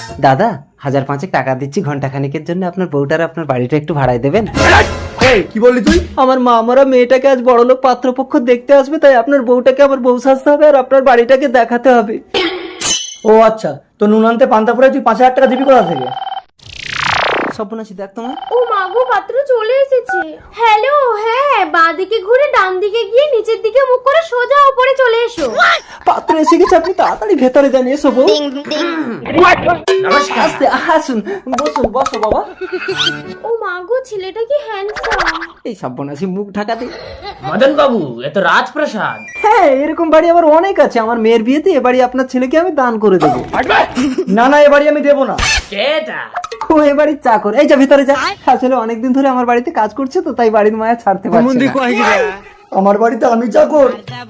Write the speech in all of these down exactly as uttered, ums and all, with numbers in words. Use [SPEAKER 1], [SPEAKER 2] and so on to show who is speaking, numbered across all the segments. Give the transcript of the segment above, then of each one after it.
[SPEAKER 1] দাদা হাজার পাঁচেক টাকা দিচ্ছি ঘন্টা খানিকের জন্য, আপনার বউটার আপনার বাড়িটা একটু ভাড়ায় দেবেন?
[SPEAKER 2] এই কি বললি তুই?
[SPEAKER 1] আমার মা মরা মেয়েটাকে আজ বড়লোক পাত্রপক্ষ দেখতে আসবে, তাই আপনার বউটাকে আমার বউ সাজতে হবে আর আপনার বাড়িটাকে দেখাতে হবে।
[SPEAKER 2] ও আচ্ছা, তো নুন আনতে পান্তা পরে তুই পাঁচ হাজার টাকা দিবি কোথা থেকে?
[SPEAKER 1] সর্বনাশী দেখ তোমার।
[SPEAKER 3] ও মাগো, পাত্র চলে এসেছে। হ্যালো, হ্যাঁ, বাঁ দিকে ঘুরে ডান দিকে গিয়ে নিচের দিকে মুখ করে সোজা উপরে চলে এসো।
[SPEAKER 1] পাত্র এসে গেছে, আপনি তাড়াতাড়ি ভেতরে যান। এসো বউ। নমস্কার। আস্তে আসুন, বসুন, বসো বাবা।
[SPEAKER 3] ও মাগো, ছেলেটা কি হ্যান্ডসাম।
[SPEAKER 1] এই সর্বনাশী মুখ ঢাকাতে।
[SPEAKER 4] মদন বাবু, এ তো রাজপ্রাসাদ।
[SPEAKER 1] হ্যাঁ, এরকম বাড়ি আবার অনেক আছে। আমার মেয়ের বিয়েতে এ বাড়ি আপনার ছেলেকে আমি দান করে দেবো।
[SPEAKER 2] না না, এ বাড়ি আমি দেবো না।
[SPEAKER 4] কেটা?
[SPEAKER 1] ও এ বাড়ির চাকর। এই যা ভিতরে যা। আসলে অনেকদিন ধরে আমার বাড়িতে কাজ করছে তো, তাই বাড়ির মায়া ছাড়তে পারছে না।
[SPEAKER 2] আমার বাড়িতে আমি চাকর?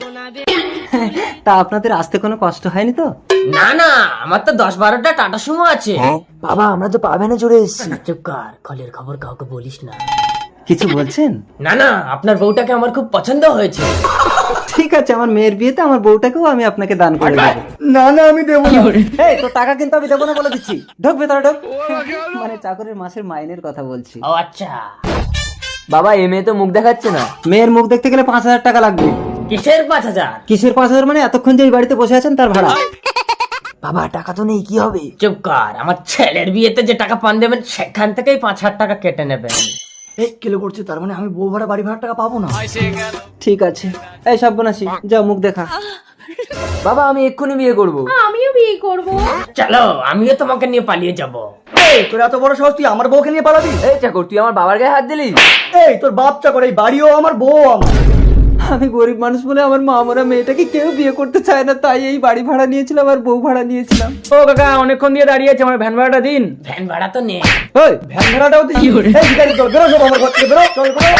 [SPEAKER 1] তা আপনাদের আসতে কোনো কষ্ট হয়নি তো?
[SPEAKER 4] না না, আমার তো দশ বারোটা টাটা সুমো আছে।
[SPEAKER 2] বাবা, আমরা তো পাবেনে চলে এসেছি।
[SPEAKER 4] চুপ কর, কলের খবর কাউকে বলিস না।
[SPEAKER 1] কিছু বলছেন?
[SPEAKER 4] না না, আপনার বউটাকে আমার খুব পছন্দ হয়েছে।
[SPEAKER 1] ঠিক আছে, আমার মেয়ের বিয়েতে আমার বউটাকেও আমি আপনাকে দান করে দেবো।
[SPEAKER 2] না না, আমি দেবো না।
[SPEAKER 1] এই তো টাকা কিন্তু আমি দেবো না বলে দিচ্ছি। ঢোক ভেতরে ঢোক। মানে চাকরের মাসের মাইনের কথা বলছি।
[SPEAKER 4] ও আচ্ছা।
[SPEAKER 5] বাবা এ মেয়ে তো মুখ দেখাচ্ছে না।
[SPEAKER 1] মেয়ের মুখ দেখতে গেলে পাঁচ হাজার টাকা লাগবে।
[SPEAKER 4] কিসের পাঁচ হাজার?
[SPEAKER 1] কিসের পাঁচ হাজার মানে এতক্ষণ যে এই বাড়িতে বসে আছেন তার ভাড়া।
[SPEAKER 5] বাবা টাকা তো নেই, কি হবে?
[SPEAKER 4] চুপ কর, আমার ছেলের বিয়েতে যে টাকা পান দেবেন সেখান থেকেই পাঁচ হাজার টাকা কেটে নেবেন।
[SPEAKER 2] এই কেলে করছে, তার মানে আমি বউ ভাড়া বাড়ি ভাড়া টাকা পাবো না?
[SPEAKER 1] ঠিক আছে। এই সর্বনাশী, যা মুখ দেখা।
[SPEAKER 5] বাবা আমি এক্ষুনি বিয়ে করব।
[SPEAKER 3] আমিও বিয়ে করব।
[SPEAKER 4] চলো, আমিও তোমাকে নিয়ে পালিয়ে যাব।
[SPEAKER 2] এই তোর এত বড় সাহস, তুই আমার বউকে নিয়ে পালাবি?
[SPEAKER 5] এই চাকর তুই আমার বাবার গায়ে হাত দিলি?
[SPEAKER 2] এই তোর বাপ চাকর, এই বাড়িও আমার, বউ আমার।
[SPEAKER 1] আমি গরিব মানুষ বলে আমার মা মরা মেয়েটাকে কেউ বিয়ে করতে চায় না, তাই এই বাড়ি ভাড়া নিয়েছিলাম আর বউ ভাড়া নিয়েছিলাম।
[SPEAKER 5] ও কাকা অনেকক্ষণ দিয়ে দাঁড়িয়ে আছে, আমার ভ্যান ভাড়াটা দিন।
[SPEAKER 4] ভ্যান ভাড়া তো নেই।
[SPEAKER 1] ওই
[SPEAKER 2] ভ্যান ভাড়াটাও দিই? এই ভিখারি, চল বেরো, সব আমার ঘর থেকে বেরো, চল বেরো।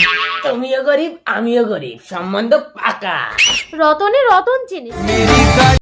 [SPEAKER 4] তুমিও গরিব আমিও গরিব, সম্বন্ধ পাকা।
[SPEAKER 3] রতনে রতন চেনে।